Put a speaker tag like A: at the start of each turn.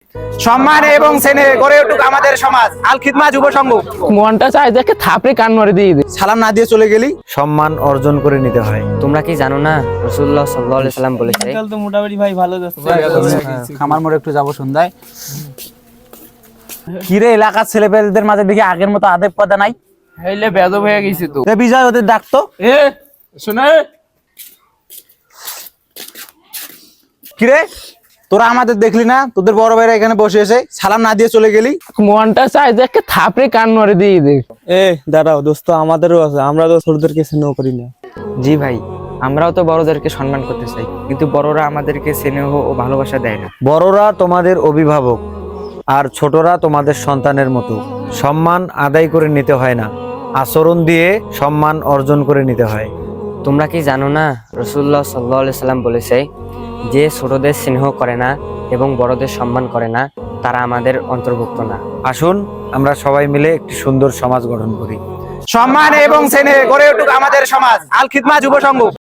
A: সম্মান এবং স্নেহে গড়ে উঠুক আমাদের সমাজ। আল খিদমা যুব সংঘ।
B: মনটা চাই দেখে থাপড়ে কান মারে দিয়ে দে।
A: সালাম না দিয়ে চলে গেলি সম্মান অর্জন করে নিতে হয়।
C: তোমরা কি জানো না রাসূলুল্লাহ সাল্লাল্লাহু আলাইহি সাল্লাম বলেছে
D: তো মোটামুটি ভাই ভালো যাচ্ছে।
A: খামার মোড়ে একটু যাবো সন্ধ্যায়। কিরে এলাকার ছেলেপেলেদের মাঝে দেখি আগের মতো আদেব কথা নাই।
B: হইলে বেদব হয়ে গেছি তো।
A: এ বিজয় ওদের ডাকতো।
B: এ শুনে
A: কিরে তোরা আমাদের দেখলি না? তোদের বড় ভাইরা এখানে বসে এসে সালাম না দিয়ে চলে গেলি।
B: মনটা চাই দেখে থাপড়ে কান মারে দিয়ে দে।
D: এ দাঁড়াও দোস্ত, আমাদেরও আছে, আমরা তো ছোটদেরকে স্নেহ করি না।
C: জি ভাই, আমরাও তো বড়দেরকে সম্মান করতে চাই, কিন্তু বড়রা আমাদেরকে স্নেহ ও ভালোবাসা দেয় না।
A: বড়রা তোমাদের অভিভাবক আর ছোটরা তোমাদের সন্তানের মতো। সম্মান আদায় করে নিতে হয় না, আচরণ দিয়ে সম্মান অর্জন করে নিতে হয়।
C: তোমরা কি জানো না রাসূলুল্লাহ সাল্লাল্লাহু আলাইহি সাল্লাম বলেছে, যে ছোটদের স্নেহ করে না এবং বড়দের সম্মান করে না তারা আমাদের অন্তর্ভুক্ত না।
A: আসুন আমরা সবাই মিলে একটি সুন্দর সমাজ গঠন করি। সম্মান এবং স্নেহে গড়ে উঠুক আমাদের সমাজ। আল খিদমা যুব সংঘ।